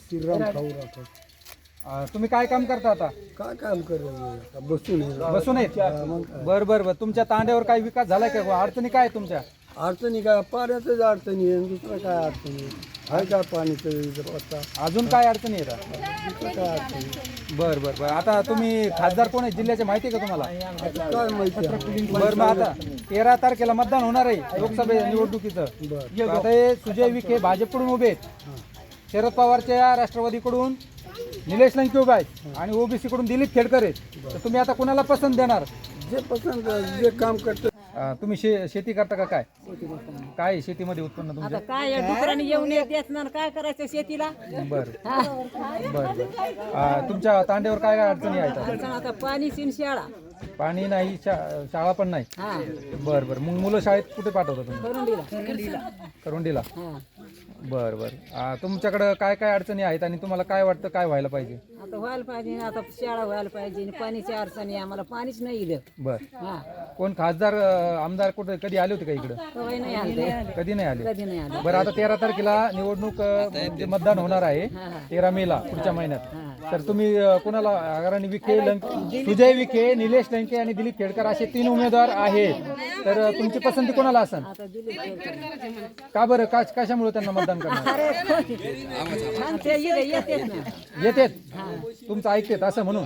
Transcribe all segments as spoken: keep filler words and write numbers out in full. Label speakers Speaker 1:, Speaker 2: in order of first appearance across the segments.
Speaker 1: श्रीराम खाऊ राठोड.
Speaker 2: अं, तुम्ही काय काम करता आता?
Speaker 1: काय काम करेल बसून आहे.
Speaker 2: बसून आहेत.
Speaker 1: हा, मग काय.
Speaker 2: बर बर बर तुमच्या तांड्यावर काही विकास झालाय का? अडचणी काय आहेत तुमच्या?
Speaker 1: अडचणी काय पाण्याचंच अडचणी आहे, दुसरं काय अडचणी आहे? आहे का पाणीचं आता?
Speaker 2: अजून काय अडचणी येतात?
Speaker 1: दुसरं काय अडचणी?
Speaker 2: बर बर बर आता तुम्ही खासदार कोण आहे जिल्ह्याचे माहिती आहे का तुम्हाला?
Speaker 1: आता काय माहिती आहे?
Speaker 2: बर मग आता तेरा तारखेला मतदान होणार आहे लोकसभे निवडणुकीचं.
Speaker 1: बरं.
Speaker 2: आता हे सुजय विखे भाजपकडून उभे आहेत, शरद पवारच्या राष्ट्रवादीकडून निलेश लंके उभे आहेत आणि ओबीसी कडून दिलीप खेडकर आहेत. तर तुम्ही आता कोणाला पसंत देणार?
Speaker 1: जे पसंत जे काम करतं.
Speaker 2: अं, तुम्ही शे शेती करता का? काय काय आहे शेतीमध्ये उत्पन्न
Speaker 3: आता
Speaker 2: तुमचं?
Speaker 3: काय या डुकरांनी येऊन येत येत ना काय करायचं शेतीला.
Speaker 2: बर बर बर अं, तुमच्या तांड्यावर काय काय अडचणी आहेत?
Speaker 3: अडचण आता पाणी सिन शाळा
Speaker 2: पाणी नाही, शा- शाळा पण नाही.
Speaker 3: हा
Speaker 2: बर बर मग मुलं शाळेत कुठे पाठवता तुम्ही?
Speaker 3: करून दिला.
Speaker 2: करुंडीला.
Speaker 3: हा
Speaker 2: बर बर अं, तुमच्याकडं काय काय अडचणी आहेत आणि तुम्हाला काय वाटतं काय व्हायला पाहिजे?
Speaker 3: आता व्हायला पाहिजे, आता शाळा व्हायला पाहिजे आणि पाणीची अडचण आहे, आम्हाला पाणीच नाही इथं.
Speaker 2: बर
Speaker 3: हा
Speaker 2: कोण खासदार अं, आमदार कुठे कधी आले होते का इकडं?
Speaker 3: कवाय नाही आलं,
Speaker 2: कधी नाही आले.
Speaker 3: कधी नाही आलं.
Speaker 2: बरं आता तेरा तारखेला निवडणूक अं, म्हणजे मतदान होणार आहे
Speaker 3: हा हा
Speaker 2: तेरा मे ला पुढच्या महिन्यात.
Speaker 3: हा.
Speaker 2: तर तुम्ही अं, कुणाला अग्रणी विखे, लंके, सुजय विखे, निलेश लंके आणि दिलीप खेडकर असे तीन उमेदवार आहेत. तर अं, तुमची पसंती कोणाला असेल?
Speaker 3: आता दिली केलं.
Speaker 2: का बरं का कशामुळे त्यांना मतदान करणार?
Speaker 3: छान ते इथं येतेच ना.
Speaker 2: येतेत तुमचं ऐकतेत असं म्हणून.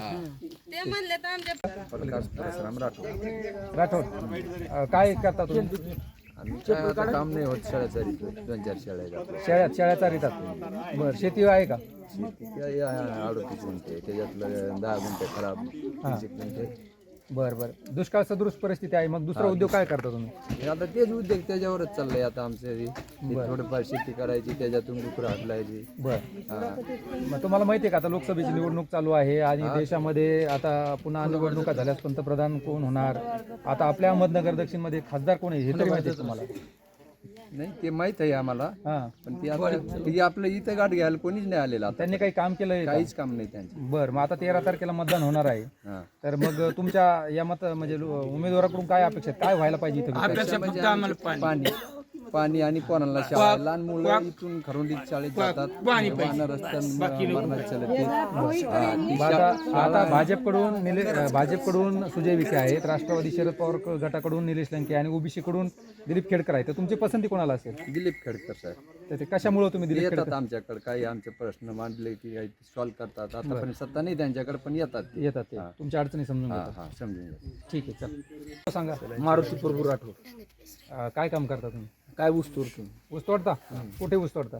Speaker 2: राठोड अं, काय करता तुम्ही?
Speaker 4: काम नाही होत शाळेचा दोन चार शाळा आहेत आपल्या.
Speaker 2: शेळ्यात शेळ्या चारितात. बरं शेती आहे का?
Speaker 4: शेती काय अडतीस गुंठे त्याच्यातलं दहा गुंठे खराब तीस एक गुंठे.
Speaker 2: बरं बरं दुष्काळ सदृश परिस्थिती आहे, मग दुसरा उद्योग काय करता तुम्ही?
Speaker 4: हे आता तेच उद्योग त्याच्यावरच चाललंय आता आमचं हे. हे थोडंफार शेती करायची त्याच्यातून डुकरं हाकलायची.
Speaker 2: बरं मग तुम्हाला माहिती आहे का आता लोकसभेची निवडणूक चालू आहे आणि देशामध्ये आता पुन्हा निवडणुका झाल्यास पंतप्रधान कोण होणार? आता आपल्या अहमदनगर दक्षिण मध्ये खासदार कोण आहे हे तरी माहिती आहे तुम्हाला?
Speaker 4: नाही ते माहित आहे आम्हाला,
Speaker 2: हा
Speaker 4: पण ती आता ती आपलं इथं गाठ घ्यायला कोणीच नाही आलेला आता.
Speaker 2: त्यांनी काही काम केलंय का?
Speaker 4: काहीच काम नाही त्यांचं.
Speaker 2: बरं मग आता तेरा तारखेला मतदान होणार आहे.
Speaker 4: हा.
Speaker 2: तर मग तुमच्या या मत म्हणजे लो- उमेदवाराकडून काय अपेक्षा आहेत? काय व्हायला पाहिजे इथं विकास?
Speaker 4: अपेक्षा म्हणजे आमची पाणी पाणी आणि कोणाला शाळा लहान मुलं इथून खरुंडीत शाळेत जातात वाहनं रस्त्यानं मरणात चालत ते. हा, ती
Speaker 2: मग आता आता भाजपकडून निले भाजपकडून सुजय विखे आहेत, राष्ट्रवादी शरद पवार गटाकडून निलेश लंके आणि ओबीसी कडून दिलीप खेडकर आहेत. तर तुमची पसंती कोणाला असेल?
Speaker 4: दिलीप खेडकर साहेब
Speaker 2: तर ते कशामुळे तुम्ही
Speaker 4: ते
Speaker 2: दिलीप
Speaker 4: येतात
Speaker 2: खेडकर
Speaker 4: आमच्याकडे, काही आमचे प्रश्न मांडले की काही सॉल्व्ह करतात. आतापर्यंत सत्ता नाही त्यांच्याकडे, पण येतात ते.
Speaker 2: येतात ते तुमच्या अडचणी समजून
Speaker 4: हा
Speaker 2: घेतात?
Speaker 4: हा समजून घ्या.
Speaker 2: ठीक आहे चल सांगा.
Speaker 1: मारुती प्रभू राठोड.
Speaker 2: अं, काय काम करता तुम्ही?
Speaker 1: काय ऊस तोडतो?
Speaker 2: ऊस तोडता? कुठे ऊस तोडता?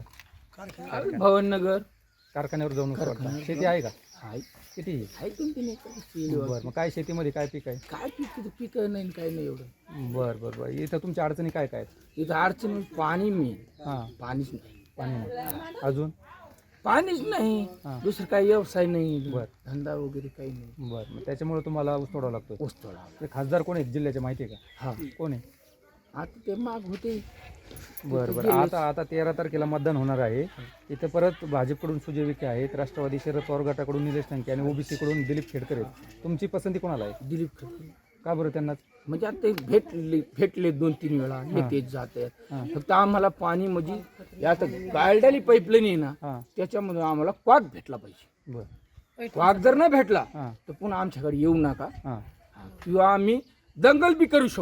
Speaker 1: भवननगर.
Speaker 2: कारखान्यावर जाऊन ऊस तोडता? शेती आहे का?
Speaker 1: हाय
Speaker 2: किती आहे?
Speaker 1: हाय दोन तीन एकर.
Speaker 2: बरं मग काय शेतीमध्ये काय पीक आहे?
Speaker 1: काय पीक पीक नाही काय नाही एवढं.
Speaker 2: बरं बरं बरं इथं तुमच्या अडचणी काय काय आहेत?
Speaker 1: इथं अडचण पाणी मी
Speaker 2: हां
Speaker 1: पाणीच नाही.
Speaker 2: पाणी नाही. अजून?
Speaker 1: पाणीच नाही,
Speaker 2: हा.
Speaker 1: दुसरं काही व्यवसाय नाही,
Speaker 2: बर.
Speaker 1: धंदा वगैरे काही नाही.
Speaker 2: बरं मग त्याच्यामुळे तुम्हाला ऊस तोडावा लागतो.
Speaker 1: ऊस तोडा.
Speaker 2: ते खासदार कोण आहेत जिल्ह्याचे माहिती आहे का?
Speaker 1: हा
Speaker 2: कोण आहे?
Speaker 1: आता ते माग होते.
Speaker 2: बरं बरं आता आता तेरा तारखेला मतदान होणार आहे. इथं परत भाजपकडून सुजय विखे आहेत, राष्ट्रवादी शरद पवार गटाकडून निलेश लंके आणि ओबीसी कडून दिलीप खेडकर आहेत. तुमची पसंती कोणाला आहे?
Speaker 1: दिलीप खडके.
Speaker 2: का बरं त्यांना?
Speaker 1: म्हणजे आता ते भेटले भेटले दोन तीन वेळा येतेच जाते.
Speaker 2: हा.
Speaker 1: फक्त आम्हाला पाणी म्हणजे आता गाळडाली पाईपलाईन आहे ना,
Speaker 2: हां
Speaker 1: त्याच्यामध्ये आम्हाला क्वाक भेटला पाहिजे.
Speaker 2: बरं
Speaker 1: क्वाक जर नाही भेटला
Speaker 2: हां
Speaker 1: तर पुन्हा आमच्याकडे येऊ नका
Speaker 2: हां
Speaker 1: किंवा आम्ही दंगल बी करू शकतो.